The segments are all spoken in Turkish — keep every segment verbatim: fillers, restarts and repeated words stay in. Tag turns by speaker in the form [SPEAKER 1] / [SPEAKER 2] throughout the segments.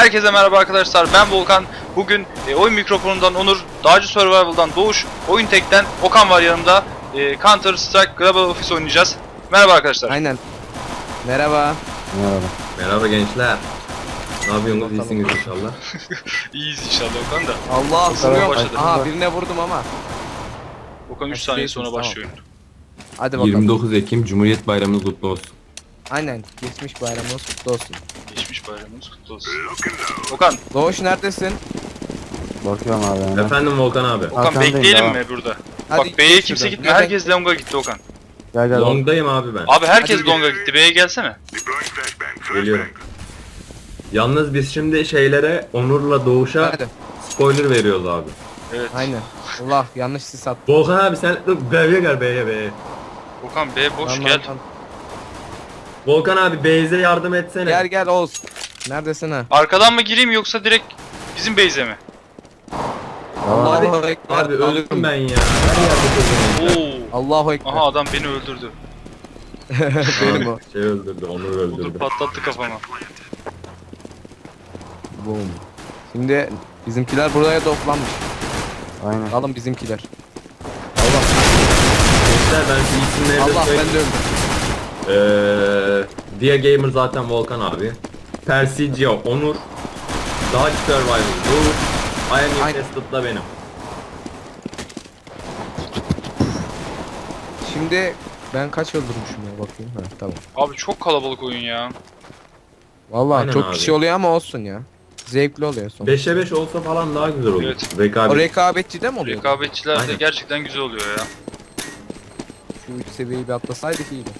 [SPEAKER 1] Herkese merhaba arkadaşlar, ben Volkan. Bugün e, oyun mikrofonundan Onur, Dağcı Survival'dan Doğuş, Oyun Tek'ten Okan var yanımda. e, Counter Strike Global Offensive oynayacağız. Merhaba arkadaşlar.
[SPEAKER 2] Aynen. Merhaba.
[SPEAKER 3] Merhaba.
[SPEAKER 4] Merhaba gençler. Ne yapıyorsunuz? İyisiniz inşallah.
[SPEAKER 1] İyiyiz inşallah Okan da.
[SPEAKER 2] Allah
[SPEAKER 1] Okan başladı.
[SPEAKER 2] Aha birine vurdum ama.
[SPEAKER 1] Okan üç saniye sonra başlıyor oyun.
[SPEAKER 2] Hadi bakalım.
[SPEAKER 4] yirmi dokuz Ekim Cumhuriyet Bayramınız kutlu olsun.
[SPEAKER 2] Aynen. Geçmiş bayramımız kutlu olsun.
[SPEAKER 1] Geçmiş bayramımız kutlu olsun. Okan,
[SPEAKER 2] Doğuş neredesin?
[SPEAKER 3] Bakıyorum abi yani.
[SPEAKER 4] Efendim Volkan abi.
[SPEAKER 1] Okan
[SPEAKER 3] Arkandayım
[SPEAKER 1] bekleyelim
[SPEAKER 3] ya.
[SPEAKER 1] mi burada?
[SPEAKER 2] Hadi
[SPEAKER 1] Bak B'ye
[SPEAKER 2] geç
[SPEAKER 1] kimse
[SPEAKER 2] şuradan.
[SPEAKER 1] gitmiyor,
[SPEAKER 2] Nereden-
[SPEAKER 1] herkes Long'a gitti Okan.
[SPEAKER 3] Gel gel.
[SPEAKER 4] Long'dayım abi ben.
[SPEAKER 1] Abi herkes
[SPEAKER 2] Hadi gidelim.
[SPEAKER 1] Long'a gitti, B'ye gelsene.
[SPEAKER 4] Geliyorum. Yalnız biz şimdi şeylere Onur'la Doğuş'a
[SPEAKER 2] Hadi.
[SPEAKER 4] spoiler veriyoruz abi.
[SPEAKER 1] Evet.
[SPEAKER 2] Aynen. Allah yanlış sis attı.
[SPEAKER 4] Volkan abi sen dur B'ye gel B'ye B'ye.
[SPEAKER 1] Okan B boş
[SPEAKER 2] Lan,
[SPEAKER 1] gel.
[SPEAKER 2] lan, lan.
[SPEAKER 4] Volkan abi Beyze yardım etsene.
[SPEAKER 2] Gel gel Oğuz. Neredesin ha?
[SPEAKER 1] Arkadan mı gireyim yoksa direkt bizim base'e mi?
[SPEAKER 2] Allahu
[SPEAKER 4] Abi,
[SPEAKER 2] Ekber.
[SPEAKER 4] abi öldüm ben ya. Her yerde öldüm.
[SPEAKER 1] Oo.
[SPEAKER 2] Allahu Ekber.
[SPEAKER 1] Aha adam beni öldürdü.
[SPEAKER 2] Benim o.
[SPEAKER 4] Şey öldürdü, Onur
[SPEAKER 1] Budur
[SPEAKER 4] öldürdü.
[SPEAKER 1] patlattı kafama.
[SPEAKER 2] Boom. Şimdi bizimkiler buraya toplanmış.
[SPEAKER 3] Aynen.
[SPEAKER 2] Alın bizimkiler.
[SPEAKER 4] Gençler ben şu isimleri de
[SPEAKER 2] Allah
[SPEAKER 4] söyleyeyim.
[SPEAKER 2] ben de öldüm.
[SPEAKER 4] Eee Dia Gamer zaten Volkan abi. Persiccio Onur. Dodge Survival Doğuş. I am
[SPEAKER 2] Aynen.
[SPEAKER 4] Infested'da benim.
[SPEAKER 2] Şimdi ben kaç öldürmüşüm ya bakayım. Ha, tamam.
[SPEAKER 1] Abi çok kalabalık oyun ya.
[SPEAKER 2] Vallahi
[SPEAKER 4] Aynen
[SPEAKER 2] çok
[SPEAKER 4] abi.
[SPEAKER 2] kişi oluyor ama olsun ya. Zevkli oluyor son.
[SPEAKER 4] beşe beş olsa falan daha güzel olur.
[SPEAKER 1] Evet.
[SPEAKER 4] Rekabet.
[SPEAKER 2] O rekabetçi de mi oluyor?
[SPEAKER 1] Rekabetçiler de
[SPEAKER 4] Aynen.
[SPEAKER 1] gerçekten güzel oluyor ya.
[SPEAKER 2] Şu üç seviyeyi bir atlasaydık iyiydi.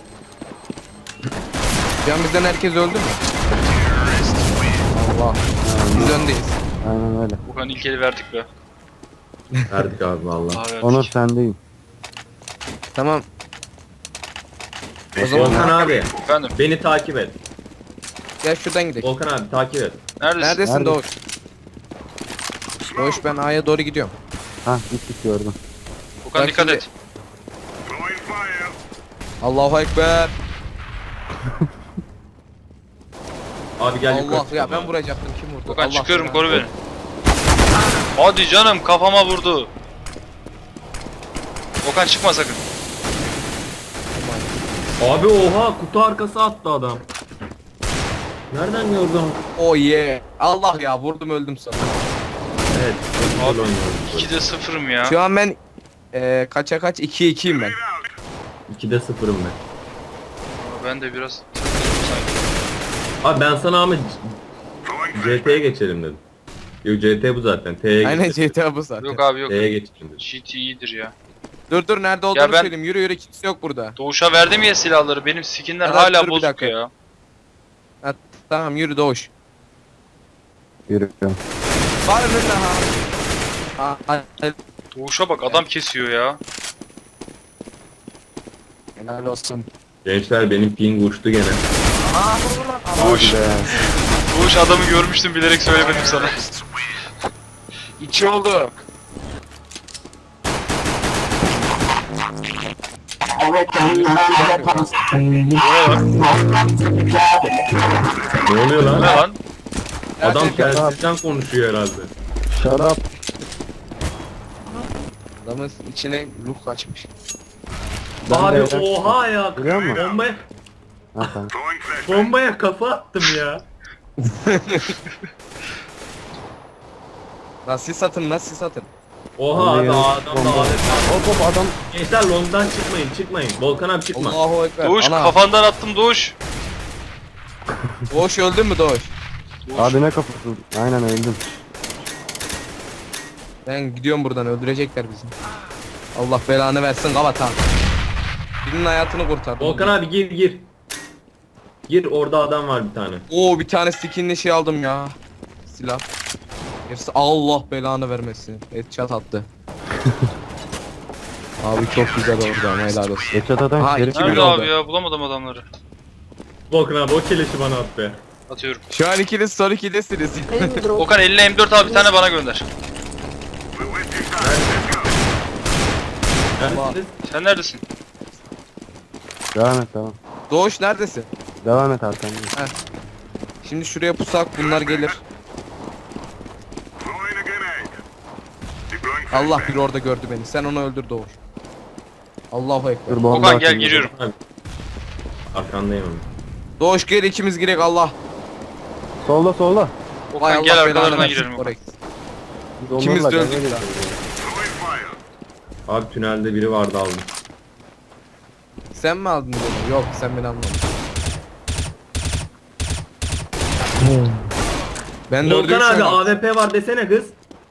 [SPEAKER 2] Can bizden herkes öldü mü? Allah. Biz öndeyiz.
[SPEAKER 3] Aynen öyle.
[SPEAKER 1] Okan ilk eli verdik be.
[SPEAKER 4] Verdik abi valla.
[SPEAKER 1] Daha verdik.
[SPEAKER 3] Onur sendeyim.
[SPEAKER 2] Tamam. O zaman
[SPEAKER 4] Volkan abi
[SPEAKER 1] Efendim
[SPEAKER 4] beni takip et.
[SPEAKER 2] gel şuradan gidelim.
[SPEAKER 4] Volkan abi takip et.
[SPEAKER 1] neredesin?
[SPEAKER 2] Neredesin
[SPEAKER 3] Nerede?
[SPEAKER 2] Doğuş? Doğuş ben A'ya doğru gidiyorum.
[SPEAKER 3] Hah gittik gördüm.
[SPEAKER 1] Okan
[SPEAKER 2] Bak
[SPEAKER 1] dikkat
[SPEAKER 2] şimdi-
[SPEAKER 1] et.
[SPEAKER 2] Allahu Ekber.
[SPEAKER 4] Abi gel
[SPEAKER 2] Allah
[SPEAKER 4] yukarı
[SPEAKER 2] ya
[SPEAKER 4] çıkalım
[SPEAKER 2] ben
[SPEAKER 4] abi.
[SPEAKER 2] vuracaktım kim vurdu?
[SPEAKER 1] Okan
[SPEAKER 2] Allah
[SPEAKER 1] çıkıyorum
[SPEAKER 2] belanı
[SPEAKER 1] koru beni.
[SPEAKER 2] versin.
[SPEAKER 1] Hadi canım kafama vurdu. Okan çıkma sakın.
[SPEAKER 4] Abi oha kutu arkası attı adam. Nereden gördün?
[SPEAKER 2] Oh yeah. Allah ya vurdum öldüm sana.
[SPEAKER 4] Evet. Çok
[SPEAKER 1] Abi,
[SPEAKER 4] güzel oynuyoruz.
[SPEAKER 1] ikide sıfırım ya.
[SPEAKER 2] Şu an ben eee kaça kaç ikiye ikiyim ben.
[SPEAKER 4] ikide sıfırım ben.
[SPEAKER 1] Ben de biraz takıldım sanki.
[SPEAKER 4] Abi ben sana ama C T'ye geçelim dedim. Yok C T bu zaten. T'ye
[SPEAKER 2] Aynen
[SPEAKER 4] geçelim.
[SPEAKER 2] G T A bu zaten.
[SPEAKER 1] Yok abi yok.
[SPEAKER 4] T'ye geçelim dedim.
[SPEAKER 1] G T iyidir ya.
[SPEAKER 2] Dur dur nerede olduğunu
[SPEAKER 1] ben-
[SPEAKER 2] söyleyeyim. Yürü yürü kimse yok burada.
[SPEAKER 1] Doğuş'a verdim ya silahları. Benim skinler
[SPEAKER 2] Evet,
[SPEAKER 1] hala
[SPEAKER 2] dur bir
[SPEAKER 1] bozuk
[SPEAKER 2] dakika.
[SPEAKER 1] ya.
[SPEAKER 2] Ha, tamam yürü Doğuş.
[SPEAKER 3] Yürüyorum.
[SPEAKER 2] Var önünde ha. Ha, ha,
[SPEAKER 1] Doğuş'a bak adam kesiyor ya.
[SPEAKER 2] helal olsun.
[SPEAKER 4] Gençler benim ping uçtu gene.
[SPEAKER 2] Aa vur lan.
[SPEAKER 1] Doğuş.
[SPEAKER 3] Be.
[SPEAKER 1] Doğuş adamı görmüştüm bilerek söylemedim sana.
[SPEAKER 2] İki oldu.
[SPEAKER 4] Ne oluyor
[SPEAKER 1] Ne
[SPEAKER 4] lan?
[SPEAKER 1] lan?
[SPEAKER 4] Adam
[SPEAKER 2] Gerçekten-
[SPEAKER 4] telsizden konuşuyor herhalde.
[SPEAKER 3] Shut up.
[SPEAKER 2] Adamın içine ruh kaçmış.
[SPEAKER 3] Ben
[SPEAKER 4] Abi
[SPEAKER 3] de-
[SPEAKER 4] oha ya.
[SPEAKER 3] Görüyor musun?
[SPEAKER 4] Bombaya,
[SPEAKER 3] Ha tamam.
[SPEAKER 4] bombaya kafa attım ya.
[SPEAKER 2] Nasıl satın nasıl satın.
[SPEAKER 4] Oha
[SPEAKER 3] Vallahi
[SPEAKER 4] abi
[SPEAKER 3] ya,
[SPEAKER 4] adam da
[SPEAKER 3] bomba.
[SPEAKER 4] alet.
[SPEAKER 3] Hop hop adam.
[SPEAKER 4] Gençler longdan çıkmayın çıkmayın. Volkan abi çıkma.
[SPEAKER 2] Allahu Ekber.
[SPEAKER 1] Doğuş
[SPEAKER 2] Ana.
[SPEAKER 1] kafandan attım Doğuş.
[SPEAKER 2] Doğuş öldün mü Doğuş?
[SPEAKER 1] Doğuş.
[SPEAKER 3] Abi ne kapısı? Aynen öldüm.
[SPEAKER 2] Ben gidiyorum buradan öldürecekler bizi. Allah belanı versin Gavata. Birinin hayatını kurtardım.
[SPEAKER 4] Volkan abi gir gir. Gir orada adam var bir tane.
[SPEAKER 2] Oo bir tane skinli şey aldım ya. Silah. Gerisi Allah belanı vermesin. Headshot attı. Abi çok güzel oldu ama helal olsun.
[SPEAKER 3] Geçat adam
[SPEAKER 2] Ha,
[SPEAKER 3] geri
[SPEAKER 2] iki
[SPEAKER 1] Nerede
[SPEAKER 2] bir oldu.
[SPEAKER 1] abi ya bulamadım adamları.
[SPEAKER 4] Volkan abi o keleşi bana at be.
[SPEAKER 1] Atıyorum.
[SPEAKER 2] Şu an ikiniz son ikidesiniz.
[SPEAKER 1] Okan eline M dört al bir tane bana gönder.
[SPEAKER 4] Neredesiniz?
[SPEAKER 1] Sen neredesin?
[SPEAKER 3] Devam et devam.
[SPEAKER 2] Doğuş neredesin?
[SPEAKER 3] Devam et arkanda.
[SPEAKER 2] Şimdi şuraya pusak bunlar gelir. Allah bir orada gördü beni. Sen onu öldür Doğuş. Allahu ekber.
[SPEAKER 3] Dur bomba
[SPEAKER 1] Okan gel
[SPEAKER 3] atayım.
[SPEAKER 1] giriyorum.
[SPEAKER 4] Abi. Arkandayım abi.
[SPEAKER 2] Doğuş gel ikimiz girek Allah.
[SPEAKER 3] Solda solda.
[SPEAKER 2] Vay
[SPEAKER 1] Okan
[SPEAKER 2] Allah
[SPEAKER 1] gel
[SPEAKER 2] belanı
[SPEAKER 1] arkalarına
[SPEAKER 2] versin.
[SPEAKER 1] girelim.
[SPEAKER 2] Oraya.
[SPEAKER 3] Biz
[SPEAKER 2] İkimiz
[SPEAKER 3] onlarla
[SPEAKER 2] de öldük
[SPEAKER 3] gaza
[SPEAKER 2] ya.
[SPEAKER 3] getiriyoruz.
[SPEAKER 4] Abi tünelde biri vardı aldım.
[SPEAKER 2] Sen mi aldın bunu? Yok sen beni almadın. Ben de
[SPEAKER 4] Volkan
[SPEAKER 2] öldüm
[SPEAKER 4] abi
[SPEAKER 2] şu an.
[SPEAKER 4] A W P var desene kız.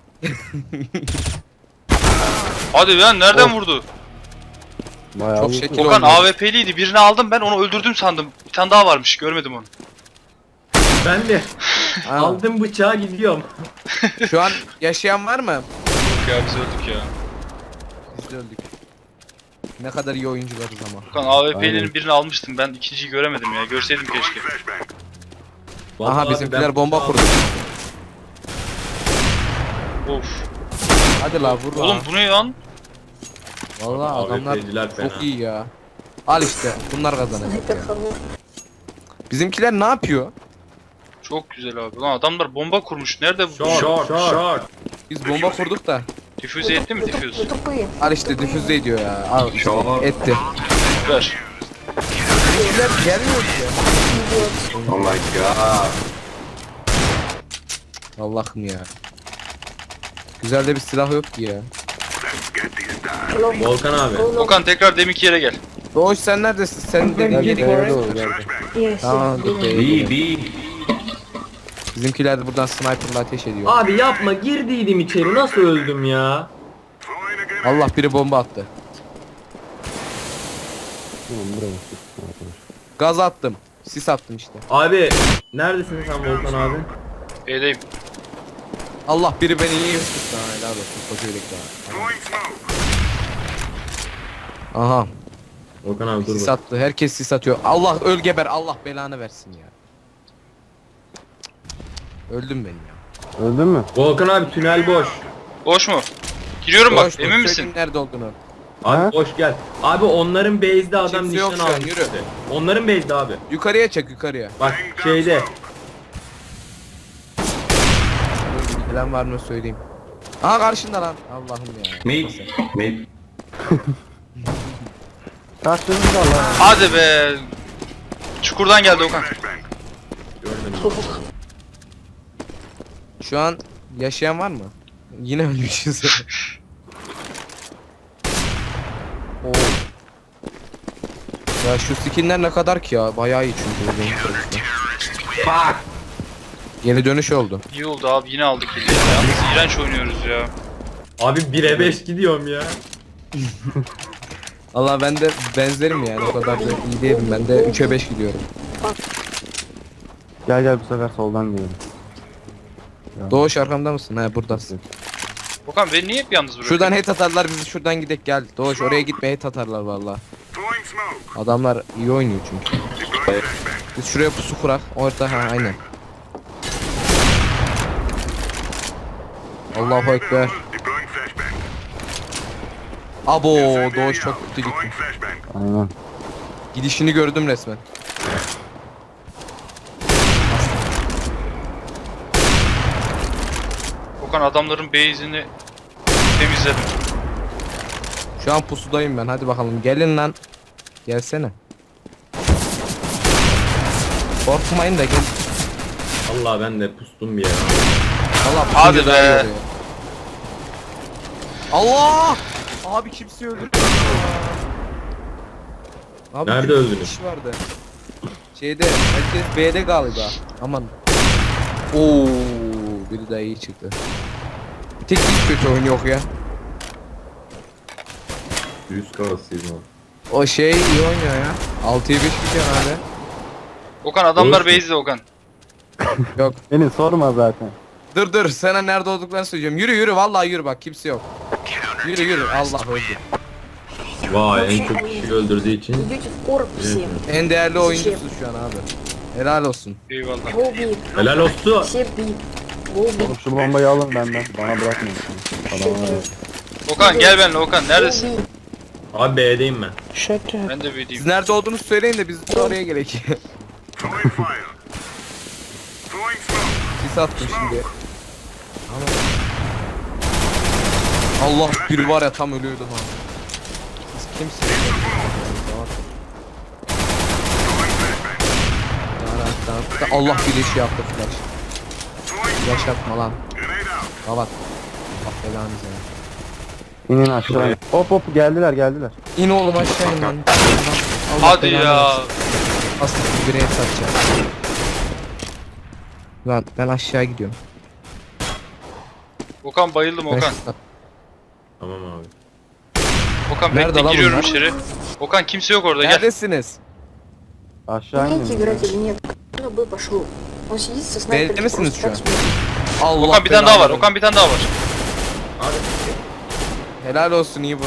[SPEAKER 1] Hadi lan nereden vurdu?
[SPEAKER 3] Bayağı
[SPEAKER 2] Çok
[SPEAKER 3] iyi.
[SPEAKER 2] şekil
[SPEAKER 1] Okan
[SPEAKER 2] oynuyor.
[SPEAKER 1] A W P'liydi. Birini aldım ben onu öldürdüm sandım. Bir tane daha varmış görmedim onu.
[SPEAKER 4] Ben de
[SPEAKER 2] Ha,
[SPEAKER 4] aldım bıçağı gidiyorum.
[SPEAKER 2] Şu an yaşayan var mı?
[SPEAKER 1] Yok ya biz öldük ya.
[SPEAKER 2] Biz de öldük. Ne kadar iyi oyuncularız ama.
[SPEAKER 1] Okan A W P'lerin
[SPEAKER 3] Aynen.
[SPEAKER 1] birini almıştım ben ikinciyi göremedim ya. Görseydim keşke.
[SPEAKER 4] Vallahi
[SPEAKER 2] Aha
[SPEAKER 4] abi
[SPEAKER 2] bizimkiler
[SPEAKER 4] ben
[SPEAKER 2] bomba
[SPEAKER 4] bıçağı
[SPEAKER 2] kurdu.
[SPEAKER 1] Of.
[SPEAKER 2] Hadi la vur la.
[SPEAKER 1] Oğlum bu ne lan?
[SPEAKER 2] Vallahi
[SPEAKER 4] A W
[SPEAKER 2] adamlar
[SPEAKER 4] P'ciler fena.
[SPEAKER 2] çok iyi ya. Al işte bunlar kazanacak ya. Bizimkiler ne yapıyor?
[SPEAKER 1] Çok güzel abi. Lan adamlar bomba kurmuş. Nerede bu?
[SPEAKER 4] Short, short, short.
[SPEAKER 2] Biz bomba kurduk da.
[SPEAKER 1] Difüze etti mi difüz?
[SPEAKER 2] Al işte difüze ediyor ya. Al işte etti.
[SPEAKER 1] Ver.
[SPEAKER 2] Bizimkiler gelmiyor ki ya.
[SPEAKER 4] Oh my god.
[SPEAKER 2] Allah'ım ya. Güzel de bir silah yok ki ya.
[SPEAKER 4] Volkan abi.
[SPEAKER 1] Okan tekrar deminki yere gel.
[SPEAKER 2] Doğuş sen neredesin? Sen de
[SPEAKER 3] Gel
[SPEAKER 2] geri
[SPEAKER 3] B'ye
[SPEAKER 2] gel.
[SPEAKER 3] doğru gel.
[SPEAKER 5] Yes.
[SPEAKER 2] Tamam dur
[SPEAKER 5] yes.
[SPEAKER 2] B'ye
[SPEAKER 4] B,
[SPEAKER 2] gidelim.
[SPEAKER 4] B.
[SPEAKER 2] Bizimkiler de buradan sniperla ateş ediyor.
[SPEAKER 4] Abi yapma girdiydim içeri nasıl öldüm ya?
[SPEAKER 2] Allah biri bomba attı.
[SPEAKER 3] Tamam buraya sıksın arkadaş.
[SPEAKER 2] Gaz attım. Sis attım işte.
[SPEAKER 4] Abi neredesin sen Volkan abi?
[SPEAKER 1] B'deyim.
[SPEAKER 2] Allah biri beni iyi tuttu. Ha helal olsun. Koca yürek daha. Aha.
[SPEAKER 4] Volkan abi dur
[SPEAKER 2] Sis
[SPEAKER 4] bak.
[SPEAKER 2] attı. Herkes sis atıyor. Allah öl geber. Allah belanı versin ya. Öldüm ben ya.
[SPEAKER 3] Öldün mü?
[SPEAKER 4] Volkan abi tünel boş.
[SPEAKER 1] Boş mu? Giriyorum bak.
[SPEAKER 2] Doğuş, dur,
[SPEAKER 1] Emin
[SPEAKER 2] söyleyeyim
[SPEAKER 1] misin?
[SPEAKER 2] nerede olduğunu?
[SPEAKER 4] Abi
[SPEAKER 3] Ha?
[SPEAKER 4] boş gel. Abi onların base'de adam
[SPEAKER 2] Kimse yok
[SPEAKER 4] nişan
[SPEAKER 2] şu an,
[SPEAKER 4] almış.
[SPEAKER 2] yürü.
[SPEAKER 4] işte. Onların base'de abi.
[SPEAKER 2] Yukarıya çek yukarıya.
[SPEAKER 4] Bak şeyde.
[SPEAKER 2] Bilen var mı söyleyeyim. Aha karşında lan. Allah'ım ya. Neyse.
[SPEAKER 3] Karşınızda lan.
[SPEAKER 1] Hadi be. Çukurdan geldi Okan.
[SPEAKER 4] Görmedim.
[SPEAKER 2] Şu an yaşayan var mı? Yine ölmüşüz. Oo. Ya şu skinler ne kadar ki ya? Bayağı iyi çünkü. benim tarafımda. Geri dönüş oldu.
[SPEAKER 1] İyi oldu abi yine aldık kili ya. Yalnız iğrenç oynuyoruz ya.
[SPEAKER 4] Abi bire beş gidiyorum ya.
[SPEAKER 2] Allah ben de benzerim yani o kadar da iyi değilim ben de üçe beş gidiyorum.
[SPEAKER 3] Gel gel bu sefer soldan gidelim.
[SPEAKER 2] Doğuş arkamda mısın? He buradasın.
[SPEAKER 1] Okan beni niye hep yalnız bırakıyorsun?
[SPEAKER 2] Şuradan hate atarlar bizi şuradan gidek gel. Doğuş oraya gitme hate atarlar valla. Adamlar iyi oynuyor çünkü. Biz şuraya pusu kurak. Orta ha aynen. Allahu ekber. Abo Doğuş çok kötü gitti.
[SPEAKER 3] Aynen.
[SPEAKER 2] Gidişini gördüm resmen.
[SPEAKER 1] Okan adamların base'ini temizledim.
[SPEAKER 2] Şu an pusudayım ben hadi bakalım gelin lan. Gelsene. Korkmayın da gel.
[SPEAKER 4] Allah ben de pustum bir yere.
[SPEAKER 2] Allah
[SPEAKER 1] Hadi
[SPEAKER 2] pusunca
[SPEAKER 1] be.
[SPEAKER 2] daha iyi oluyor. Allah! Abi kimse öldürdü. Abi
[SPEAKER 4] Nerede
[SPEAKER 2] bir
[SPEAKER 4] öldünüz?
[SPEAKER 2] kişi vardı. Şeyde herkes B'de galiba. Aman. Oo, biri daha iyi çıktı. Bir tek hiç kötü oyun yok ya.
[SPEAKER 4] Yüz karasıyım abi.
[SPEAKER 2] O şey iyi oynuyor ya. altıya beş gidiyor abi.
[SPEAKER 1] Okan adamlar
[SPEAKER 4] Doğrusu.
[SPEAKER 1] base'de Okan.
[SPEAKER 2] Yok.
[SPEAKER 3] Beni sorma zaten.
[SPEAKER 2] Dur dur sana nerede olduklarını söyleyeceğim. Yürü yürü vallahi yürü bak kimse yok. Yürü yürü Allah öldü.
[SPEAKER 4] Vay en çok kişi öldürdüğü için.
[SPEAKER 5] Идете в короб все.
[SPEAKER 2] En değerli oyuncusun şu an abi. Helal olsun.
[SPEAKER 1] Eyvallah.
[SPEAKER 5] Go big.
[SPEAKER 4] Helal olsun.
[SPEAKER 5] Все big. Go big.
[SPEAKER 3] Oğlum şu bombayı alın benden. Bana bırakmayın. Adamlar yok.
[SPEAKER 1] Okan gel benimle Okan neredesin?
[SPEAKER 5] Go big.
[SPEAKER 4] Abi B'deyim ben.
[SPEAKER 5] Shut up.
[SPEAKER 1] Ben de
[SPEAKER 2] Siz
[SPEAKER 1] B'deyim.
[SPEAKER 2] nerede olduğunuzu söyleyin de biz de oraya gerek. sis attım şimdi. Ama... Allah biri var ya tam ölüyordu ha. Siz kimsiniz? Allah bir iş yaptı flash. Flash yapma lan. Kapat. Bak belanızı ya.
[SPEAKER 3] İnin aşağı. Hop hop geldiler geldiler.
[SPEAKER 2] İn oğlum aşağı in lan. Allah
[SPEAKER 1] Hadi
[SPEAKER 2] belanı
[SPEAKER 1] ya.
[SPEAKER 2] versin. Aslında bir bireye satacağım. Lan ben aşağı gidiyorum.
[SPEAKER 1] Okan bayıldım
[SPEAKER 2] Ben
[SPEAKER 1] Okan.
[SPEAKER 2] şu-
[SPEAKER 4] Tamam abi.
[SPEAKER 1] Okan
[SPEAKER 2] Nerede
[SPEAKER 1] bekle
[SPEAKER 2] lan
[SPEAKER 1] giriyorum
[SPEAKER 2] bunlar?
[SPEAKER 1] içeri. Okan kimse yok orada gel.
[SPEAKER 2] Neredesiniz?
[SPEAKER 3] Aşağı
[SPEAKER 5] Умеете
[SPEAKER 3] inin.
[SPEAKER 5] играть или нет? Ну, бы пошел. Он сидит со
[SPEAKER 2] Belli
[SPEAKER 5] снайпером.
[SPEAKER 2] misiniz
[SPEAKER 5] просто
[SPEAKER 2] şu an?
[SPEAKER 5] так смотрит.
[SPEAKER 2] Allah
[SPEAKER 1] Okan bir tane daha var.
[SPEAKER 2] belanı
[SPEAKER 1] Okan bir tane daha var.
[SPEAKER 4] Abi
[SPEAKER 2] Helal olsun iyi vurdun.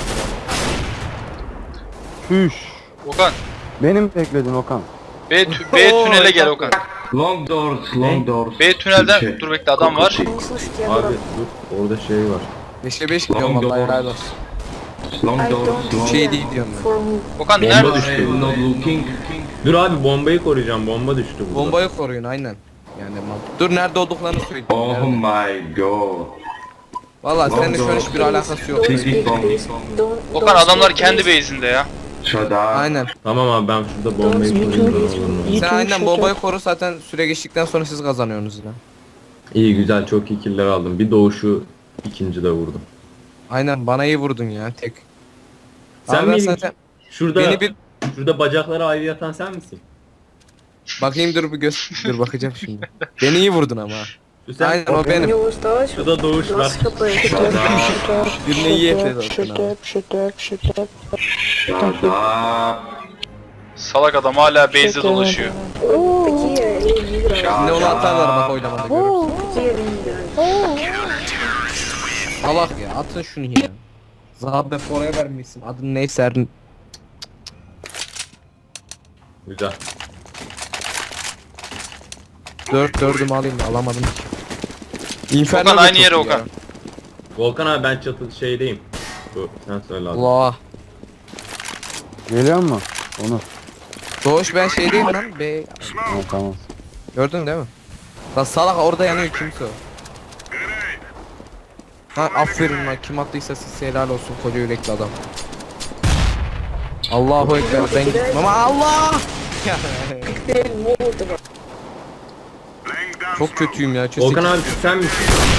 [SPEAKER 3] Şüş.
[SPEAKER 1] Okan
[SPEAKER 3] Benim bekledin Okan.
[SPEAKER 1] B, tü- B
[SPEAKER 2] Oo,
[SPEAKER 1] tünele gel
[SPEAKER 2] çok
[SPEAKER 1] Okan.
[SPEAKER 6] Long doors, long doors.
[SPEAKER 1] B tünelden
[SPEAKER 6] Şey,
[SPEAKER 1] dur bekle adam var.
[SPEAKER 5] Он не слышит, я
[SPEAKER 4] abi
[SPEAKER 5] говорю.
[SPEAKER 4] dur orada şey var.
[SPEAKER 2] beşe beş gidiyorum
[SPEAKER 6] Long
[SPEAKER 2] vallahi
[SPEAKER 6] doors.
[SPEAKER 2] helal olsun.
[SPEAKER 6] Long
[SPEAKER 5] I
[SPEAKER 6] doors,
[SPEAKER 5] don't
[SPEAKER 6] long
[SPEAKER 2] Şey
[SPEAKER 5] care
[SPEAKER 2] değil diyorum ben.
[SPEAKER 5] for me.
[SPEAKER 1] Okan
[SPEAKER 4] Bomba
[SPEAKER 1] nerede?
[SPEAKER 4] düştü.
[SPEAKER 6] I'm not looking.
[SPEAKER 4] Dur abi bombayı koruyacağım. Bomba düştü burada.
[SPEAKER 2] Bombayı koruyun aynen. Yani mal- dur nerede olduklarını söyle.
[SPEAKER 6] Oh
[SPEAKER 2] Nerede?
[SPEAKER 6] my god.
[SPEAKER 2] Valla
[SPEAKER 6] Long
[SPEAKER 2] seninle şu an hiçbir
[SPEAKER 5] Please,
[SPEAKER 2] alakası yok.
[SPEAKER 5] don't
[SPEAKER 6] Please
[SPEAKER 5] speak,
[SPEAKER 6] don't.
[SPEAKER 5] please. Don't-
[SPEAKER 1] Okan
[SPEAKER 5] don't
[SPEAKER 1] adamlar
[SPEAKER 5] speak,
[SPEAKER 1] kendi
[SPEAKER 5] please.
[SPEAKER 1] base'inde ya.
[SPEAKER 6] Shut up.
[SPEAKER 2] Aynen.
[SPEAKER 4] Tamam abi ben şurada bombayı
[SPEAKER 5] Don't
[SPEAKER 4] koruyayım.
[SPEAKER 5] YouTube,
[SPEAKER 4] ne olur ne olmaz.
[SPEAKER 5] YouTube.
[SPEAKER 2] Sen aynen bombayı koru zaten süre geçtikten sonra siz kazanıyorsunuz yine.
[SPEAKER 4] İyi güzel çok iyi killer aldım. Bir doğuşu ikinci de vurdum.
[SPEAKER 2] Aynen bana iyi vurdun ya tek.
[SPEAKER 4] Sen
[SPEAKER 2] Abi ben
[SPEAKER 4] miydin?
[SPEAKER 2] zaten
[SPEAKER 4] Şurada
[SPEAKER 2] beni bir
[SPEAKER 4] şurada bacakları ayrı yatan sen misin?
[SPEAKER 2] bakayım dur bir göz dur bakacağım şimdi. Beni iyi vurdun ama.
[SPEAKER 4] Şu sen
[SPEAKER 2] Aynen o
[SPEAKER 5] У
[SPEAKER 2] benim.
[SPEAKER 5] него осталось
[SPEAKER 4] şurada doğuş var.
[SPEAKER 5] двадцать хп.
[SPEAKER 2] Birine iyi ekledi zaten abi.
[SPEAKER 6] Shut up.
[SPEAKER 1] Salak adam hala base'de dolaşıyor.
[SPEAKER 5] Такие не играют.
[SPEAKER 2] Şimdi onu atarlar bak oylamada görürsün.
[SPEAKER 5] Такие не играют.
[SPEAKER 2] Salak ya atın şunu ya. Zabe oraya vermişsin. Adın neyse Erdin.
[SPEAKER 4] Güzel.
[SPEAKER 2] Dört dördümü alayım da alamadım ki. Inferno
[SPEAKER 1] Okan
[SPEAKER 2] da
[SPEAKER 1] aynı
[SPEAKER 2] çok
[SPEAKER 1] yere
[SPEAKER 2] iyi
[SPEAKER 1] Okan.
[SPEAKER 2] ya.
[SPEAKER 4] Volkan abi ben çatı şeydeyim. Bu sen söyle abi.
[SPEAKER 2] Allah.
[SPEAKER 3] Geliyor mu? Onu.
[SPEAKER 2] Doğuş ben şeydeyim lan. Be
[SPEAKER 3] Ha, tamam.
[SPEAKER 2] gördün değil mi? Lan salak orada yanıyor kimse o. Ha aferin lan kim attıysa siz helal olsun koca yürekli adam. Allahu ekber ben gittim ama Allah!
[SPEAKER 5] Теперь Молотова.
[SPEAKER 2] Çok kötüyüm ya.
[SPEAKER 4] Volkan abi sen misin?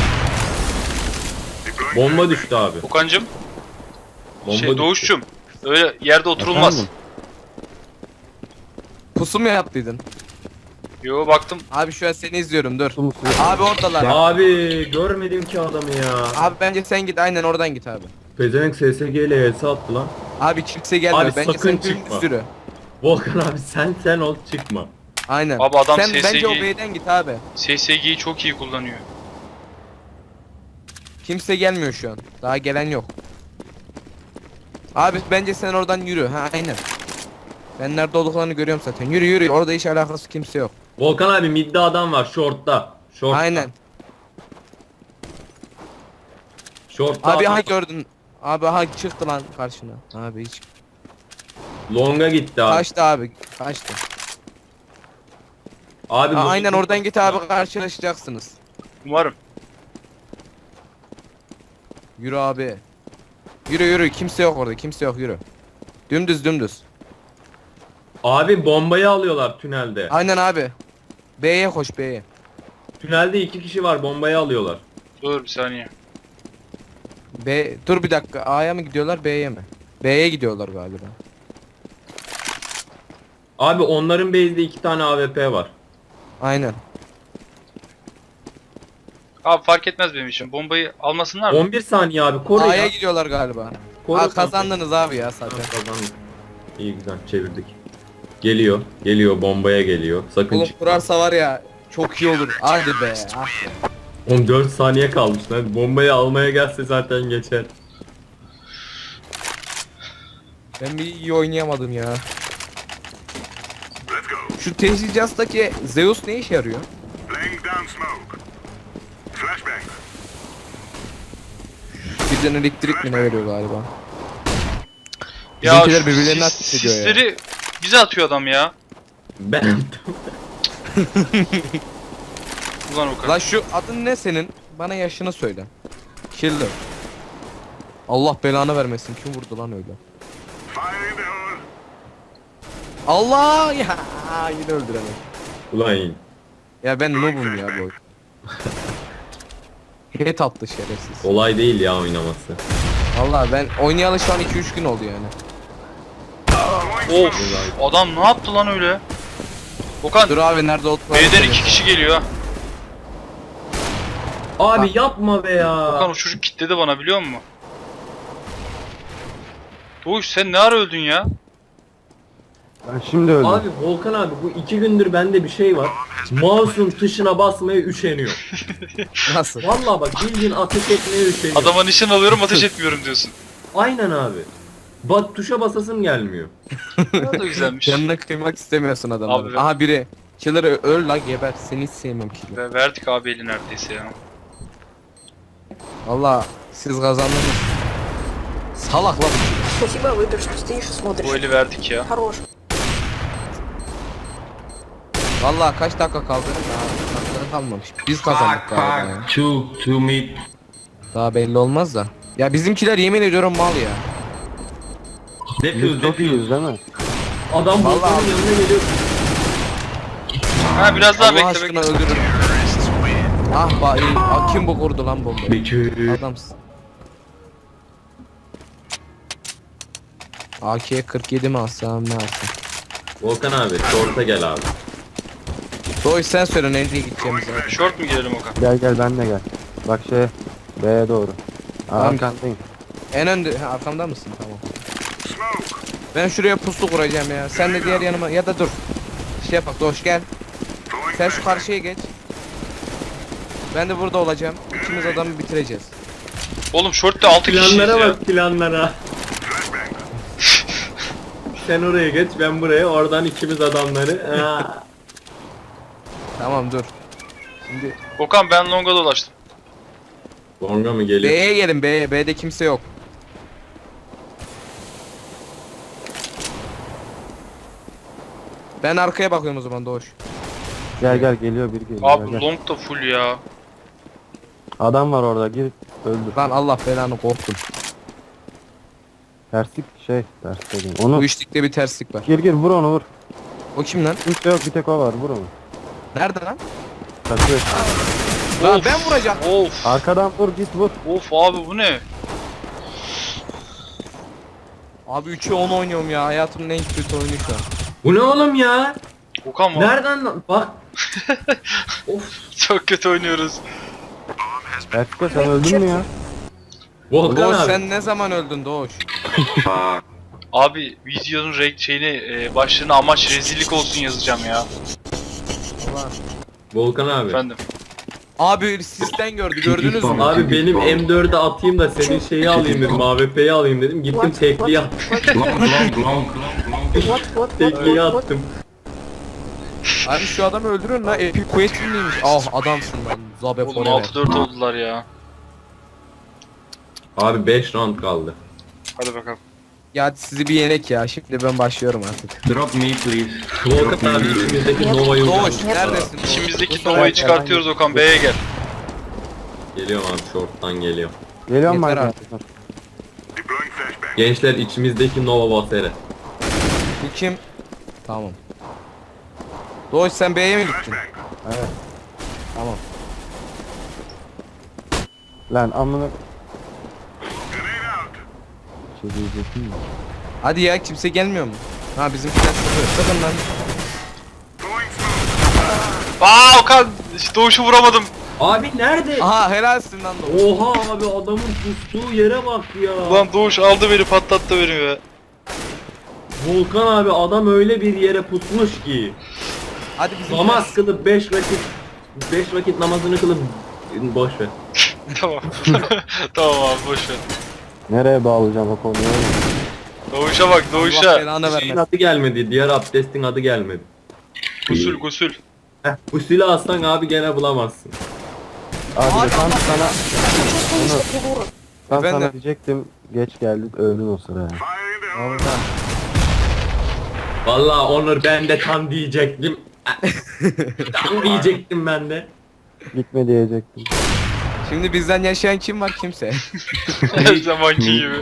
[SPEAKER 4] Bomba düştü abi.
[SPEAKER 1] Okan'cım
[SPEAKER 4] Bomba
[SPEAKER 1] şey
[SPEAKER 4] düştü.
[SPEAKER 1] Doğuş'cum öyle yerde oturulmaz.
[SPEAKER 3] Efendim?
[SPEAKER 2] Pusu mu yaptıydın?
[SPEAKER 1] Yo baktım.
[SPEAKER 2] Abi şu an seni izliyorum dur.
[SPEAKER 3] Su mu su?
[SPEAKER 2] Abi oradalar.
[SPEAKER 4] Abi görmedim ki adamı ya.
[SPEAKER 2] Abi bence sen git aynen oradan git abi.
[SPEAKER 4] Pezevenk S S G ile elsi attı lan.
[SPEAKER 2] Abi kimse gelmiyor.
[SPEAKER 4] Abi
[SPEAKER 2] bence
[SPEAKER 4] sakın
[SPEAKER 2] sen
[SPEAKER 4] çıkma.
[SPEAKER 2] bir sürü.
[SPEAKER 4] Volkan abi sen sen ol çıkma.
[SPEAKER 2] Aynen.
[SPEAKER 1] Abi adam
[SPEAKER 2] sen
[SPEAKER 1] S S G
[SPEAKER 2] bence o B'den git abi.
[SPEAKER 1] S S G'yi çok iyi kullanıyor.
[SPEAKER 2] Kimse gelmiyor şu an. Daha gelen yok. Abi bence sen oradan yürü. Ha aynen. Ben nerede olduklarını görüyorum zaten. Yürü yürü. Orada hiç alakası kimse yok.
[SPEAKER 4] Volkan abi midde adam var shortta. Shortta.
[SPEAKER 2] Aynen.
[SPEAKER 4] Shortta
[SPEAKER 2] Abi
[SPEAKER 4] adam-
[SPEAKER 2] ha gördün. Abi ha çıktı lan karşına. Abi hiç.
[SPEAKER 4] Longa gitti abi.
[SPEAKER 2] Kaçtı abi. Kaçtı.
[SPEAKER 4] Abi
[SPEAKER 2] Ha,
[SPEAKER 4] long-
[SPEAKER 2] aynen oradan git abi karşılaşacaksınız.
[SPEAKER 1] Umarım.
[SPEAKER 2] Yürü abi. Yürü yürü. Kimse yok orada. Kimse yok yürü. Dümdüz dümdüz.
[SPEAKER 4] Abi bombayı alıyorlar tünelde.
[SPEAKER 2] Aynen abi. B'ye koş B'ye.
[SPEAKER 4] Tünelde iki kişi var bombayı alıyorlar.
[SPEAKER 1] Dur bir saniye.
[SPEAKER 2] B dur bir dakika. A'ya mı gidiyorlar B'ye mi? B'ye gidiyorlar galiba.
[SPEAKER 4] Abi onların base'de iki tane A W P var.
[SPEAKER 2] Aynen.
[SPEAKER 1] Abi fark etmez benim için. Bombayı almasınlar mı?
[SPEAKER 4] on bir saniye abi koru
[SPEAKER 2] A'ya
[SPEAKER 4] ya.
[SPEAKER 2] gidiyorlar galiba.
[SPEAKER 4] Koru
[SPEAKER 2] Aa, kazandınız abi ya
[SPEAKER 4] Ha,
[SPEAKER 2] zaten.
[SPEAKER 4] kazandık. İyi güzel çevirdik. Geliyor. Geliyor bombaya geliyor. Sakın
[SPEAKER 2] Oğlum
[SPEAKER 4] çıkma.
[SPEAKER 2] kurarsa var ya çok iyi olur. Hadi be. Ah be.
[SPEAKER 4] on dört saniye kalmış lan. Bombayı almaya gelse zaten geçer.
[SPEAKER 2] Ben bir iyi oynayamadım ya. Şu tesisatçıdaki Zeus ne işe yarıyor? Birden elektrik mi ne veriyor galiba? Bizimkiler
[SPEAKER 1] şu
[SPEAKER 2] birbirlerini
[SPEAKER 1] sis-
[SPEAKER 2] ateş ediyor ya.
[SPEAKER 1] Sisleri bize atıyor adam ya.
[SPEAKER 4] Ben
[SPEAKER 1] Ulan Okan.
[SPEAKER 2] La şu adın ne senin? Bana yaşını söyle. Killer. Allah belanı vermesin. Kim vurdu lan öyle? Allah ya yine öldüremem.
[SPEAKER 4] Ulan
[SPEAKER 2] Ya ben noobum ya bu oyun. Hit attı şerefsiz.
[SPEAKER 4] kolay değil ya oynaması.
[SPEAKER 2] Vallahi ben oynayalı şu an iki üç gün oldu yani.
[SPEAKER 1] Of adam ne yaptı lan öyle? Okan
[SPEAKER 2] Dur abi nerede olduk?
[SPEAKER 1] B'den iki kişi geliyor.
[SPEAKER 4] Abi yapma be ya.
[SPEAKER 1] Okan o çocuk kitledi bana biliyor musun? Doğuş sen ne ara öldün ya?
[SPEAKER 3] Ben şimdi öldüm.
[SPEAKER 4] Abi Volkan abi bu iki gündür bende bir şey var. Mouse'un tuşuna basmaya üşeniyor.
[SPEAKER 2] Nasıl?
[SPEAKER 4] Vallahi bak bildiğin ateş etmeye üşeniyor.
[SPEAKER 1] Adama nişan alıyorum ateş etmiyorum diyorsun.
[SPEAKER 4] Aynen abi. Bak tuşa basasım gelmiyor.
[SPEAKER 1] Ne da güzelmiş.
[SPEAKER 2] Canına kıymak istemiyorsun adamları.
[SPEAKER 1] Abi ben-
[SPEAKER 2] Aha biri. Killer öl la geber. Seni hiç sevmem killer.
[SPEAKER 1] Ve verdik abi eli neredeyse ya.
[SPEAKER 2] Valla siz kazandınız. Salak la bu.
[SPEAKER 5] Спасибо, Выбер, что стоишь и смотришь.
[SPEAKER 1] Bu eli verdik ya.
[SPEAKER 5] Хорош.
[SPEAKER 2] Valla kaç dakika kaldı? Daha dakikaları kalmamış. Biz kazandık
[SPEAKER 6] Fuck,
[SPEAKER 2] galiba ya.
[SPEAKER 6] fuck. Two, two mid.
[SPEAKER 2] Daha belli olmaz da. Ya bizimkiler yemin ediyorum mal ya.
[SPEAKER 6] Defuse,
[SPEAKER 3] Biz çok iyiyiz
[SPEAKER 6] defuse.
[SPEAKER 3] değil mi?
[SPEAKER 4] Adam
[SPEAKER 2] Vallahi
[SPEAKER 4] Volkan'ın
[SPEAKER 2] abi.
[SPEAKER 4] yanına geliyor.
[SPEAKER 1] Ha biraz daha
[SPEAKER 2] Allah
[SPEAKER 1] bekle
[SPEAKER 2] aşkına
[SPEAKER 1] bekle.
[SPEAKER 2] öldürün. Ah ba iyi. Ah, kim bu kurdu lan bombayı?
[SPEAKER 6] Between.
[SPEAKER 2] Adamsın. A K'ye kırk yedi mi alsam ne alsam?
[SPEAKER 4] Volkan abi short'a gel abi.
[SPEAKER 2] Doğuş sen söyle nereye gideceğimizi.
[SPEAKER 1] Short mu girelim Okan?
[SPEAKER 3] Gel gel ben de gel. Bak şey B'ye doğru.
[SPEAKER 2] Tamam.
[SPEAKER 3] Arkandayım.
[SPEAKER 2] En önde ha, arkamda mısın? Tamam. Ben şuraya puslu kuracağım ya. Sen de diğer yanıma ya da dur. Şey yapak Doğuş gel. Sen şu karşıya geç. Ben de burada olacağım. İkimiz adamı bitireceğiz.
[SPEAKER 1] Oğlum short'ta altı kişiyiz
[SPEAKER 4] Planlara
[SPEAKER 1] ya.
[SPEAKER 4] bak planlara. Sen oraya geç ben buraya oradan ikimiz adamları. Ha.
[SPEAKER 2] Tamam dur. Şimdi
[SPEAKER 1] Okan ben longa dolaştım.
[SPEAKER 4] Longa mı geliyor?
[SPEAKER 2] B'ye gelin B'ye. B'de kimse yok. Ben arkaya bakıyorum o zaman Doğuş.
[SPEAKER 3] Gel gel geliyor biri geliyor.
[SPEAKER 1] Abi
[SPEAKER 3] Gel, gel.
[SPEAKER 1] long da full ya.
[SPEAKER 3] Adam var orada gir öldür.
[SPEAKER 2] Lan Allah belanı korktum.
[SPEAKER 3] Terslik şey ters dedim. Onu
[SPEAKER 2] Bu işlikte bir terslik var.
[SPEAKER 3] gir gir vur onu vur.
[SPEAKER 2] O kim lan?
[SPEAKER 3] Kimse yok bir tek o var vur onu.
[SPEAKER 2] Nerede lan?
[SPEAKER 3] Kaçıyor.
[SPEAKER 2] Lan
[SPEAKER 1] Of.
[SPEAKER 2] ben vuracağım.
[SPEAKER 1] Of.
[SPEAKER 3] Arkadan vur git vur.
[SPEAKER 1] Of abi bu ne?
[SPEAKER 2] Abi üçe on oynuyorum ya. Hayatımın en kötü oyunu şu an.
[SPEAKER 4] Bu ne oğlum ya?
[SPEAKER 1] Okan mı?
[SPEAKER 4] Nereden lan? Bak. Of.
[SPEAKER 1] Çok kötü oynuyoruz.
[SPEAKER 3] Ertuğrul sen öldün mü ya?
[SPEAKER 4] Volkan
[SPEAKER 2] Doğuş
[SPEAKER 4] abi.
[SPEAKER 2] sen ne zaman öldün Doğuş?
[SPEAKER 6] Fuck.
[SPEAKER 1] Abi videonun renk şeyini e, başlığına amaç rezillik olsun yazacağım ya.
[SPEAKER 2] Ulan.
[SPEAKER 4] Volkan abi.
[SPEAKER 1] Efendim.
[SPEAKER 2] Abi sistem gördü gördünüz mü?
[SPEAKER 4] Abi benim M dört'e atayım da senin şeyi alayım dedim. A W P'yi alayım dedim. Gittim
[SPEAKER 5] What?
[SPEAKER 4] tekliği
[SPEAKER 5] What?
[SPEAKER 4] attım.
[SPEAKER 5] What?
[SPEAKER 6] Long, long, long, long.
[SPEAKER 5] What? What? What?
[SPEAKER 4] Tekliği
[SPEAKER 5] What? What?
[SPEAKER 4] attım.
[SPEAKER 2] Abi şu adamı öldürün lan. Epic Quest miymiş? Ah adamsın lan. Zabe
[SPEAKER 1] Oğlum
[SPEAKER 2] forever.
[SPEAKER 1] altı dört oldular ya.
[SPEAKER 4] Abi beş round kaldı.
[SPEAKER 1] Hadi bakalım.
[SPEAKER 2] Ya hadi sizi bir yenek ya. Şimdi ben başlıyorum artık.
[SPEAKER 6] Drop me please.
[SPEAKER 4] Volkan abi içimizdeki Nova'yı
[SPEAKER 2] Doğuş
[SPEAKER 4] uzat.
[SPEAKER 2] neredesin? Doğuş?
[SPEAKER 1] İçimizdeki
[SPEAKER 2] Bu
[SPEAKER 1] Nova'yı
[SPEAKER 2] sefer-
[SPEAKER 1] çıkartıyoruz Okan B'ye gel.
[SPEAKER 4] Geliyorum abi short'tan geliyor.
[SPEAKER 3] Geliyorum ben.
[SPEAKER 2] Yeter
[SPEAKER 3] de.
[SPEAKER 2] artık.
[SPEAKER 4] Gençler içimizdeki Nova Basere.
[SPEAKER 2] Bu kim? Tamam. Doğuş sen B'ye mi gittin?
[SPEAKER 3] Evet.
[SPEAKER 2] Tamam.
[SPEAKER 3] Lan amına. Şey diyecektim mi?
[SPEAKER 2] Hadi ya kimse gelmiyor mu? Ha bizimkiler sıkıyor. Sıkın lan.
[SPEAKER 1] Aa Okan Doğuş'u vuramadım.
[SPEAKER 4] Abi nerede?
[SPEAKER 2] Aha helalsin lan Doğuş.
[SPEAKER 4] Oha abi adamın pustuğu yere bak ya.
[SPEAKER 1] Ulan Doğuş aldı beni patlattı beni be.
[SPEAKER 4] Volkan abi adam öyle bir yere pusmuş ki.
[SPEAKER 2] Hadi bizimkiler.
[SPEAKER 4] Namaz kılıp beş vakit beş vakit namazını kılıp boş ver.
[SPEAKER 1] Tamam. Tamam abi boş ver.
[SPEAKER 3] Nereye bağlayacağım o konuyu?
[SPEAKER 1] Doğuş'a bak
[SPEAKER 2] Allah
[SPEAKER 1] Doğuş'a.
[SPEAKER 2] belanı
[SPEAKER 4] Şeyin
[SPEAKER 2] vermesin.
[SPEAKER 4] adı gelmedi. Diğer abdestin adı gelmedi.
[SPEAKER 1] Gusül gusül.
[SPEAKER 4] Heh, usülü aslan abi gene bulamazsın.
[SPEAKER 3] Abi de tam sana
[SPEAKER 5] Что ты дура?
[SPEAKER 3] tam
[SPEAKER 2] Efendim?
[SPEAKER 3] sana diyecektim. Geç geldik öldün o sıra ya.
[SPEAKER 2] Orada.
[SPEAKER 4] Vallahi Onur ben de tam diyecektim. Tam diyecektim ben de.
[SPEAKER 3] Gitme diyecektim.
[SPEAKER 2] Şimdi bizden yaşayan kim var? Kimse.
[SPEAKER 1] Her zamanki gibi.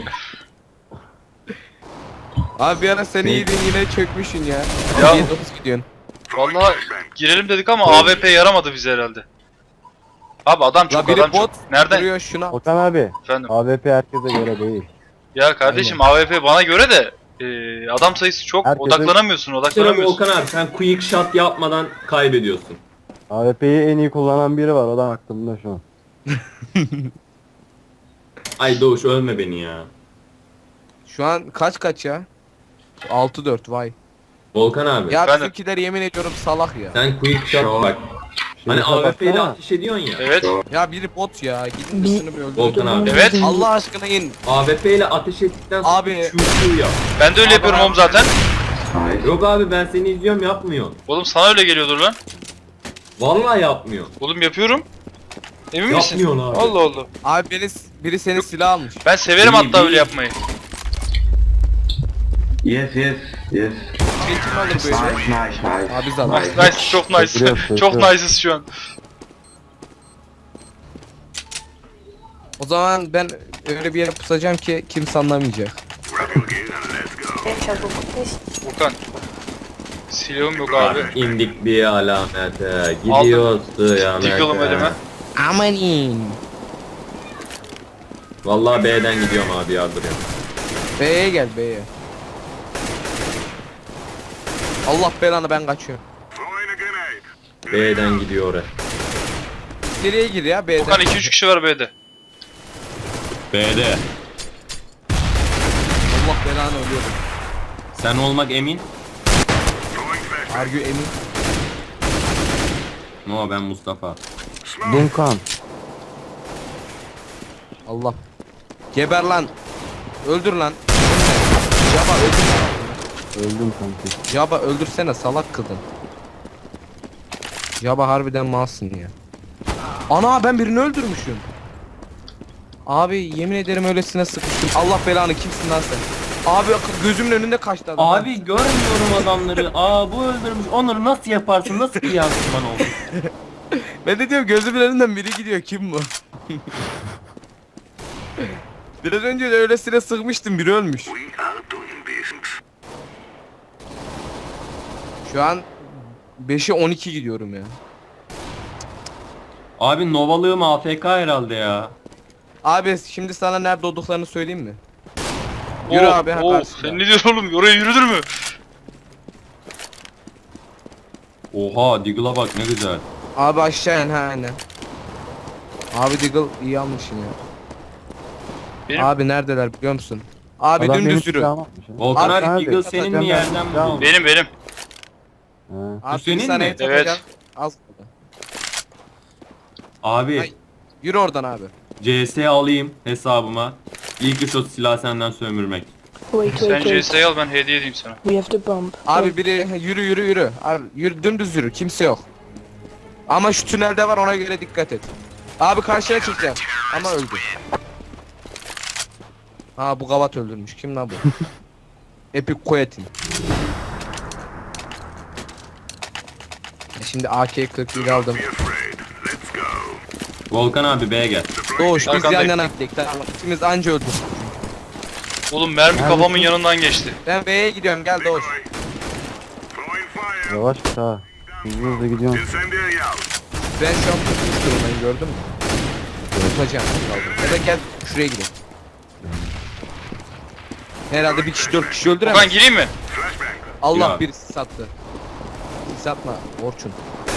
[SPEAKER 2] Abi bir ara sen iyiydin yine çökmüşsün ya.
[SPEAKER 1] Ya.
[SPEAKER 2] yedi dokuz gidiyorsun.
[SPEAKER 1] Vallahi girelim dedik ama A W P yaramadı bize herhalde. Abi adam
[SPEAKER 2] La
[SPEAKER 1] çok
[SPEAKER 2] biri
[SPEAKER 1] adam
[SPEAKER 2] bot
[SPEAKER 1] çok. Nereden?
[SPEAKER 2] vuruyor şuna.
[SPEAKER 3] Okan abi.
[SPEAKER 1] Efendim.
[SPEAKER 3] A W P herkese göre değil.
[SPEAKER 1] Ya kardeşim A W P bana göre de e, adam sayısı çok.
[SPEAKER 3] Herkese-
[SPEAKER 1] Odaklanamıyorsun,
[SPEAKER 4] Sıra
[SPEAKER 1] odaklanamıyorsun.
[SPEAKER 4] Volkan abi sen quick shot yapmadan kaybediyorsun.
[SPEAKER 3] A W P'yi en iyi kullanan biri var. O da aklımda şu an.
[SPEAKER 4] Ay Doğuş ölme beni ya.
[SPEAKER 2] Şu an kaç kaç ya? altı dört vay.
[SPEAKER 4] Volkan abi
[SPEAKER 2] Ya
[SPEAKER 1] Efendim?
[SPEAKER 2] bizimkiler yemin ediyorum salak ya.
[SPEAKER 4] sen quick shot bak. Hani
[SPEAKER 3] Şuraya
[SPEAKER 4] A W P ile
[SPEAKER 3] baksana.
[SPEAKER 4] ateş ediyorsun ya.
[SPEAKER 1] Evet.
[SPEAKER 2] Ya biri bot ya. Gidin
[SPEAKER 5] Bir-
[SPEAKER 2] üstünü bir öldürün.
[SPEAKER 4] Volkan abi.
[SPEAKER 1] Evet.
[SPEAKER 2] Allah aşkına in.
[SPEAKER 4] A W P ile ateş ettikten sonra
[SPEAKER 2] Abi-
[SPEAKER 4] şu şu yap.
[SPEAKER 1] Ben de öyle yapıyorum oğlum zaten.
[SPEAKER 6] Nice.
[SPEAKER 4] Yok abi ben seni izliyorum yapmıyor.
[SPEAKER 1] Oğlum sana öyle geliyordur lan.
[SPEAKER 4] Vallahi yapmıyor.
[SPEAKER 1] Oğlum yapıyorum. Emin misin?
[SPEAKER 4] Yapmıyorsun abi.
[SPEAKER 1] Allah Allah.
[SPEAKER 2] Abi biri, biri senin silah almış.
[SPEAKER 1] Ben severim
[SPEAKER 6] İyi,
[SPEAKER 1] hatta
[SPEAKER 6] iyi.
[SPEAKER 1] öyle yapmayı.
[SPEAKER 6] Yes, yes, yes.
[SPEAKER 2] Şey kim alır
[SPEAKER 6] Nice,
[SPEAKER 2] böyle?
[SPEAKER 6] nice, nice.
[SPEAKER 2] Abi zaten.
[SPEAKER 1] Nice, nice, çok nice.
[SPEAKER 3] Götürüyor,
[SPEAKER 1] Çok
[SPEAKER 3] götürüyor.
[SPEAKER 1] nice'ız şu an.
[SPEAKER 2] O zaman ben öyle bir yere pusacağım ki kimse anlamayacak.
[SPEAKER 5] Я сейчас буду есть.
[SPEAKER 1] Volkan. Silahım yok abi.
[SPEAKER 4] Abi indik bir alamete. Gidiyoruz kıyamete.
[SPEAKER 1] Tıkalım elime.
[SPEAKER 2] Aman in.
[SPEAKER 4] Vallahi B'den gidiyorum abi yardırıyorum.
[SPEAKER 2] B'ye gel B'ye. Allah belanı ben kaçıyorum.
[SPEAKER 4] B'den gidiyor oraya.
[SPEAKER 2] Geriye gir ya B'den.
[SPEAKER 1] Volkan iki üç kişi var B'de.
[SPEAKER 4] B'de.
[SPEAKER 2] Allah belanı ölüyorum.
[SPEAKER 4] Sen olmak emin.
[SPEAKER 2] Argü emin.
[SPEAKER 4] No ben Mustafa.
[SPEAKER 3] Dunkan.
[SPEAKER 2] Allah. Geber lan. Öldür lan. Jaba öldür.
[SPEAKER 3] Öldüm kanki.
[SPEAKER 2] Jaba öldürsene salak kadın. Jaba harbiden malsın ya. Ana ben birini öldürmüşüm. Abi yemin ederim öylesine sıkıştım. Allah belanı kimsin lan sen? Abi gözümün önünde kaçtı adam.
[SPEAKER 7] Abi görmüyorum adamları. Aa bu öldürmüş. Onları nasıl yaparsın? Nasıl bir yansıman oldu?
[SPEAKER 2] Ben de diyorum gözümün önünden biri gidiyor kim bu? Biraz önce de öylesine sıkmıştım biri ölmüş. Şu an beşe on iki gidiyorum ya.
[SPEAKER 7] Abi Novalığım A F K herhalde ya.
[SPEAKER 2] Abi şimdi sana nerede olduklarını söyleyeyim mi? Yürü
[SPEAKER 1] Oh,
[SPEAKER 2] abi ha
[SPEAKER 1] oh,
[SPEAKER 2] karşıda.
[SPEAKER 1] sen ne diyorsun oğlum? Oraya yürüdür mü?
[SPEAKER 7] Oha Diggle'a bak ne güzel.
[SPEAKER 2] Abi aşağı in ha aynen. Abi Diggle iyi almışsın ya.
[SPEAKER 1] Benim-
[SPEAKER 2] Abi neredeler biliyor musun? Abi
[SPEAKER 3] Adam benim
[SPEAKER 2] dümdüz yürü.
[SPEAKER 3] silahımı atmış ha.
[SPEAKER 7] Volkan
[SPEAKER 2] Abi,
[SPEAKER 7] abi,
[SPEAKER 3] abi,
[SPEAKER 7] Diggle senin mi
[SPEAKER 3] atacağım
[SPEAKER 7] yerden
[SPEAKER 3] ben.
[SPEAKER 7] buldun?
[SPEAKER 1] Benim benim.
[SPEAKER 3] Ha.
[SPEAKER 2] Abi
[SPEAKER 7] senin
[SPEAKER 2] bir saniye
[SPEAKER 7] mi?
[SPEAKER 1] Evet.
[SPEAKER 2] takacağım. Az kaldı.
[SPEAKER 7] Abi
[SPEAKER 2] Ay. Yürü oradan abi.
[SPEAKER 7] C S alayım hesabıma. İlk iş o silah senden sömürmek.
[SPEAKER 5] Wait,
[SPEAKER 1] Sen
[SPEAKER 5] wait,
[SPEAKER 1] C
[SPEAKER 5] wait.
[SPEAKER 1] S'yi al ben hediye edeyim sana.
[SPEAKER 5] We have to bomb.
[SPEAKER 2] Abi biri yürü yürü yürü. Abi yürü dümdüz yürü. Kimse yok. Ama şu tünelde var ona göre dikkat et. Abi karşıya çıkacağım. Ama öldü. Ha bu gavat öldürmüş. Kim lan bu? Epic Quietin. Şimdi A K kırk bir aldım.
[SPEAKER 7] Volkan abi B'ye gel.
[SPEAKER 2] Doğuş biz yan
[SPEAKER 1] Arkandayım.
[SPEAKER 2] yana gittik. Tamam. İkimiz anca öldük.
[SPEAKER 1] Oğlum mermi kafamın yanından geçti.
[SPEAKER 2] Ben B'ye gidiyorum gel Doğuş.
[SPEAKER 3] Yavaş git ha. Hızlı hızlı gidiyorsun.
[SPEAKER 2] Ben şu an tutmuş durumdayım gördün mü? Tutacağım. Ya da gel şuraya gidelim. Herhalde bir kişi dört kişi
[SPEAKER 1] Volkan
[SPEAKER 2] öldüremez.
[SPEAKER 1] gireyim mi?
[SPEAKER 2] Allah
[SPEAKER 7] Ya.
[SPEAKER 2] bir sattı. Satma Orçun.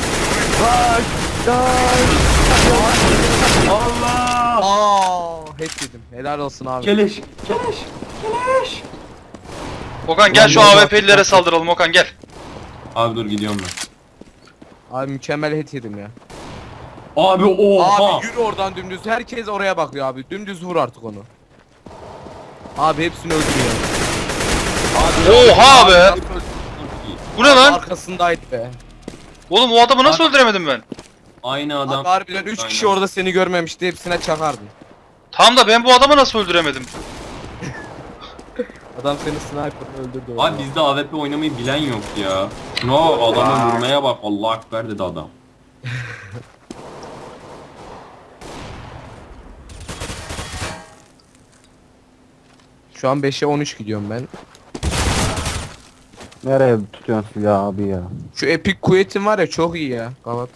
[SPEAKER 7] Allah!
[SPEAKER 2] Aa, hep dedim. Helal olsun abi.
[SPEAKER 7] Keleş, keleş, keleş.
[SPEAKER 1] Okan gel şu
[SPEAKER 7] Ulan
[SPEAKER 1] A
[SPEAKER 7] bak-
[SPEAKER 1] W P'lilere saldıralım Okan gel.
[SPEAKER 7] Abi dur gidiyorum ben.
[SPEAKER 2] Abi mükemmel hit yedim ya.
[SPEAKER 7] Abi oha!
[SPEAKER 2] Abi yürü oradan dümdüz. Herkes oraya bakıyor abi. Dümdüz vur artık onu. Abi hepsini öldürüyor.
[SPEAKER 1] Oha be! Bu ne lan?
[SPEAKER 2] Arkasındaydı be.
[SPEAKER 1] Oğlum o adamı nasıl öldüremedim ben?
[SPEAKER 7] Aynı adam.
[SPEAKER 2] Abi harbiden üç kişi
[SPEAKER 7] Aynen.
[SPEAKER 2] orada seni görmemişti. Hepsine çakardın.
[SPEAKER 1] Tam da ben bu adamı nasıl öldüremedim?
[SPEAKER 2] Adam seni sniper öldürdü.
[SPEAKER 7] Abi bizde A W P oynamayı bilen yok ya. No adamı vurmaya bak Allah ekber dedi adam.
[SPEAKER 2] Şu an beşe on üç gidiyorum ben.
[SPEAKER 3] Nereye tutuyorsun silahı abi ya?
[SPEAKER 2] Şu Epic Quet'in var ya çok iyi ya. Gavat.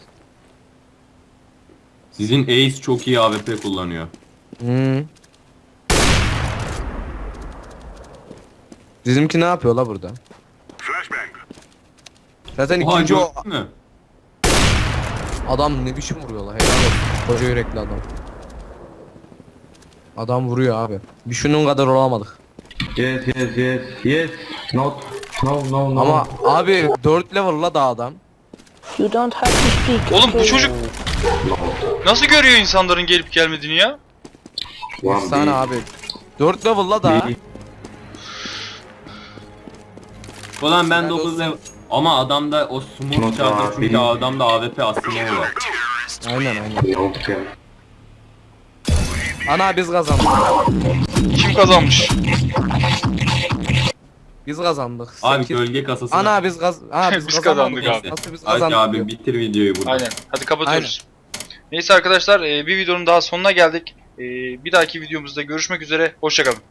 [SPEAKER 4] Sizin Ace çok iyi A W P kullanıyor.
[SPEAKER 2] Hmm. Bizimki ne yapıyor la burada? Zaten
[SPEAKER 4] Oha
[SPEAKER 2] ikinci o
[SPEAKER 4] gördün mü?
[SPEAKER 2] adam ne biçim vuruyor la helal olsun. Koca yürekli adam. Adam vuruyor abi. Bir şunun kadar olamadık.
[SPEAKER 6] Yes, yes, yes, yes. Not. No, no, no.
[SPEAKER 2] Ama abi dört level la da adam.
[SPEAKER 5] You don't have to speak.
[SPEAKER 1] Oğlum bu
[SPEAKER 5] okay?
[SPEAKER 1] çocuk nasıl görüyor insanların gelip gelmediğini ya?
[SPEAKER 6] One
[SPEAKER 2] Efsane
[SPEAKER 6] B.
[SPEAKER 2] abi. dört level la da.
[SPEAKER 6] B.
[SPEAKER 4] Ulan ben
[SPEAKER 2] Ben
[SPEAKER 4] dokuz
[SPEAKER 2] de-
[SPEAKER 4] level... Ama adamda o smooth
[SPEAKER 6] Not
[SPEAKER 4] charger
[SPEAKER 6] abi.
[SPEAKER 4] çünkü adamda A W P aslında var.
[SPEAKER 2] Aynen aynen.
[SPEAKER 6] No, okay.
[SPEAKER 2] Ana biz kazandık.
[SPEAKER 1] Kim kazanmış?
[SPEAKER 2] Biz kazandık.
[SPEAKER 4] Abi
[SPEAKER 2] Sekiz-
[SPEAKER 4] gölge kasası.
[SPEAKER 2] Ana biz kaz Ana biz,
[SPEAKER 1] Biz
[SPEAKER 2] kazanmadık.
[SPEAKER 1] kazandık abi.
[SPEAKER 2] Nasıl biz
[SPEAKER 4] Hadi
[SPEAKER 2] kazandık?
[SPEAKER 4] abi
[SPEAKER 2] diyor.
[SPEAKER 4] bitir videoyu burada.
[SPEAKER 1] Aynen. Hadi kapatıyoruz. Neyse arkadaşlar, e, bir videonun daha sonuna geldik. E, bir dahaki videomuzda görüşmek üzere. Hoşça kalın.